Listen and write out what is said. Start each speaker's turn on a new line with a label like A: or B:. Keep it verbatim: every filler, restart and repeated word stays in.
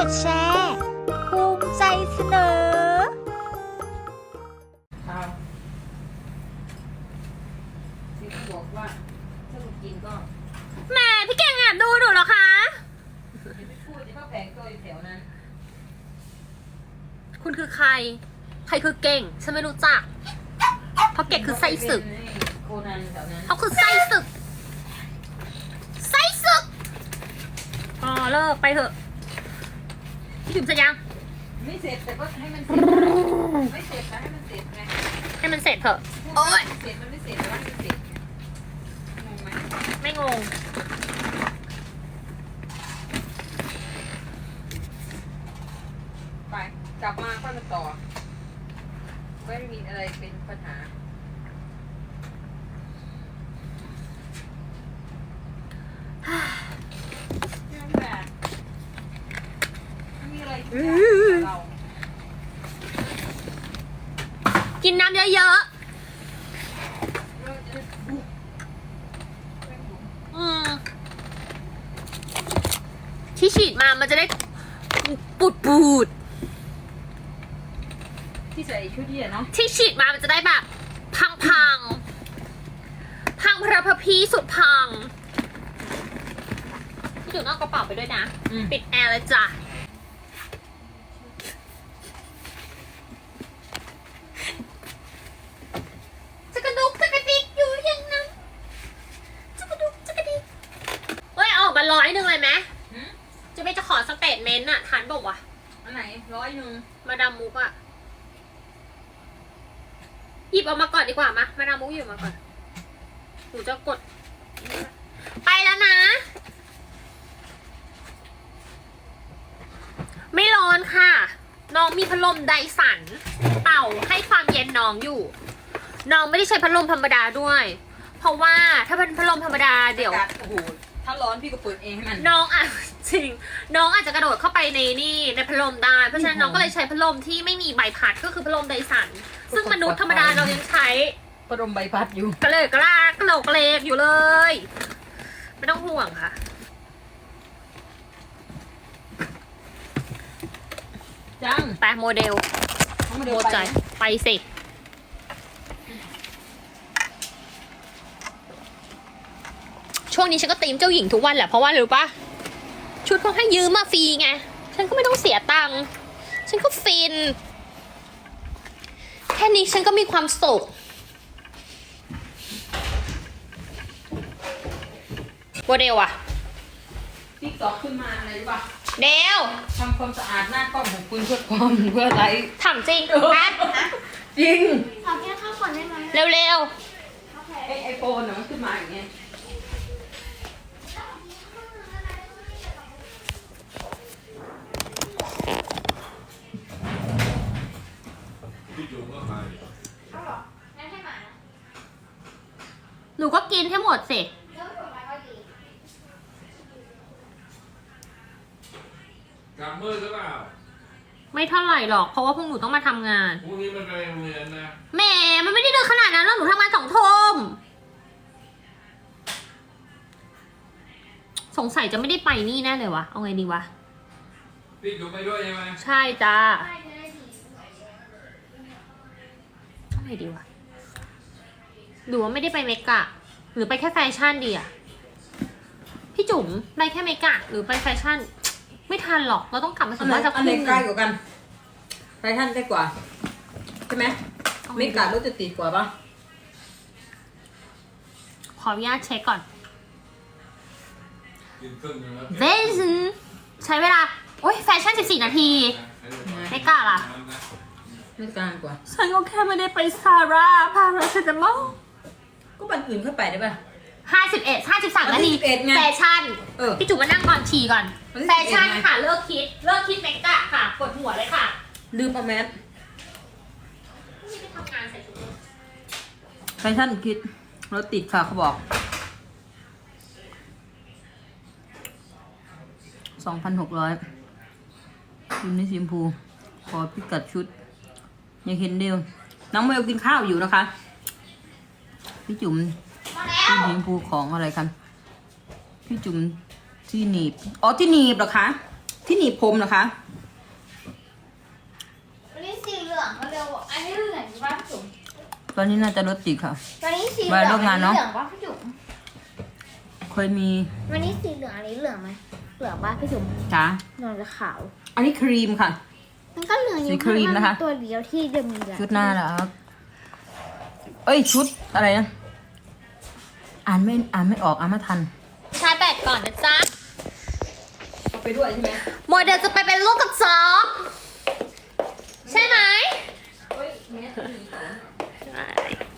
A: ดแชร์ภูมิใจเสนอ
B: ที่บอกว่าถ้าหนูกินก็
C: แม่พี่เก่งแอบดูหนูเหรอคะ
B: อย่าไปพูดที่เขาแผงตัวอยู่แถวนั้น
C: คุณคือใคร ใครคือเก่ง ฉันไม่รู้จัก เพราะเก่งคือไส้ศึก
B: โคนันแถวนั้น
C: เขาคือไส้ศึก ไส้ศึกอ๋อเลิกไปเถอะพี่ถึงจะยัง
B: ไม่เสร็จแต่ก็ให้มันเสร็จไม่เสร็จแต่ให้มันเสร็จไง
C: ให้มันเสร็จเถอะ
B: โอ้ยเสร็จมันไม่เสร็จแต่ว่ามันเสร็จงงไหม
C: ไม่งง
B: ไปกลับมาค่อยมาต่อไม่มีอะไรเป็นปัญหานั่นแหละไม่มีอะไรที่เรา
C: กินน้ำเยอะ
B: เราจะบุก
C: ๆอืมที่ฉีดมามันจะได้ปูดปูด
B: ที่ใส่ชุดเยี่ยเนาะ
C: ที่ฉีดมามันจะได้แบบ พังพังพังพระพพีสุดพังพี่จุ๋นเอากระเป๋าไปด้วยนะ ปิดแอร์เลยจ้ะจะกระดุกจะกระดิกอยู่อย่างนั้นจะกระดุกจะกระดิกเฮ้ยเอาออกมาร้อยหนึ่งเลยไหมจะไม่จะขอสเตทเมนต์อะทานบอกว่ะ
B: อันไหนร้อยหนึ่ง
C: มาดามมุกอะหยิบออกมาก่อนดีกว่ามามาดามมุกหยิบออกมาก่อนหนูจะกด ไปแล้วนะ ไม่ร้อนค่ะ น้องมีพัดลมไดสันเป่าให้ความเย็นน้องอยู่ น้องไม่ได้ใช้พัดลมธรรมดาด้วย เพราะว่าถ้าเป็นพัดลมธรรมดาเดี๋ยว
B: โอ้โหถ้าร้อนพี่ก็เปิดเองให้มัน
C: น้องอ่ะ จริง น้องอาจจะกระโดดเข้าไปในนี่ในพัดลมได้ เพราะฉะนั้นน้องก็เลยใช้พัดลมที่ไม่มีใบพัดก็คือพัดลมไดสัน ซึ่งมนุษย์ธรรมดาเรายังใช้
B: พัดลมใบพัดอยู่
C: กระเลยกระลากกระโหลกกระเลกอยู่เลย ไม่ต้องห่วงค่ะ
B: จัง
C: ไปโมเดล
B: เขามา
C: โม
B: เดิน
C: ใจ
B: ไป
C: ไปสิ ช่วงนี้ฉันก็ตีมเจ้าหญิงทุกวันแหละเพราะว่าอะไรรู้ปะชุดเขาให้ยืมมาฟรีไง ฉันก็ไม่ต้องเสียตังค์ ฉันก็ฟิน แค่นี้ฉันก็มีความสุข โมเดลอะ
B: ติ๊กต็อกขึ้นมาอะไรรู้ป่ะ
C: เดล
B: ทำความสะอาดหน้ากล้องของคุณเพื่อความเพื่ออะไร
C: ถามจริงแพท
B: จริง
A: ขอแค่ข้าวก่อนได้ไหม
C: เร็ว
B: ไอไอโฟนน่ะมันขึ้นมาอย่างเงี้ย
C: ๆ หนูก็กินให้หมดสิ
D: กลับมืดหรือเปล่า
C: ไม่เท่าไหร่หรอก เพราะว่าพวกหนูต้องมาทำงาน
D: พรุ่งนี้มันไปโรงเรียนนะ
C: แหมมันไม่ได้ดึกขนาดนั้นหรอกหนูทำงานสองทุ่มสงสัยจะไม่ได้ไปนี่แน่เลยวะ เอาไงดีวะ
D: พี่จุ๋มไปด้วยใช่ไหม
C: ใช่จ้าเอาไงดีวะหรือว่าไม่ได้ไปเมกะ หรือไปแค่แฟชั่นดีอะพี่จุ๋มไปแค่เมกะ หรือไปแฟชั่น ไม่ทันหรอก เราต้องกลับมา
B: อั
C: ถึ
B: น
C: ง
B: ไหน
C: บ้านสัก
B: อัน
C: ค
B: ไหน
C: รึ่ง
B: ใกล้กว่ากันไปท่านใกล้กว่าใช่ไหมไม่กะรถจะติดกว่าปะ
C: ขออนุญาตเช็คก่อน
D: กินครึ่งนึงแล้ว
C: เวซันใช้เวลา โอ้ยแฟชั่นสิบสี่นาที ไม่กล้าล่ะ
B: ไม่กลางกว่า
C: ฉันก็แค่ไม่ได้ไปซาร่าพาราเซตามอล
B: ก็บันอื่นเข้าไปได้ปะ
C: ห้าสิบเอ็ดห้าสิบสามนาที
B: ห้าสิบเอ็ดไง
C: แฟชั่น
B: เออ
C: พี่จุ๋มมานั่งก่อนฉี่ก่อน
B: วันที่
C: แฟชั่น
B: สิบเอ็ดไง
C: ค่ะ เลิกคิด เลิกคิดเมกะค่ะปวดหัวเลยค่ะ
B: ลืมเอาแมส
C: พรุ่งนี้ไปทำงานใส่ชุด
B: แฟชั่นคิดรถติดค่ะเขาบอกสองพันหกร้อยยูนิซิมพูขอพิกัดชุดยังเห็นเดียวน้องเมลกินข้าวอยู่นะคะ พี่จุ๋ม
C: มาแล้ว
B: พี่ซิมพูของอะไรกันพี่จุ๋มที่หนีบอ๋อที่หนีบเหรอคะที่หนีบผมเหรอคะ
A: วันนี้สีเหลืองเขาเร็วอันนี้เหลืองป่ะพี่จุ๋ม
B: ตอนนี้น่าจะรถติดค่ะ
A: วันนี้สีเห
B: มา
A: ลือง
B: ร่วมงานเนอะ
A: เหลืองป่ะพี่จุ๋ม
B: เคยมี
A: วันนี้สีเหลืองอันนี้เหลืองไหมเหลืองป่ะพี่จุ๋ม
B: จ้าน
A: อนจะขาว
B: อันนี้ครีมค่ะ
A: มันก็เหลืองอยู่
B: สีครีมนะคะ
A: ตัวเดียวที่เดิมเหลือง
B: ชุดหน้าเหรอครับเอ้ยชุดอะไรนะ อ่านไม่อ่านไม่ออกอ่านไม่ทัน
C: ชาร์จแบตก่อนนะจ๊ะ
B: ไปด้วยใช่ไหม
C: โมเดลจะไปเป็นลูกกระจอกใช่ไหม
B: เฮ้ยเนี้ย
C: ใช่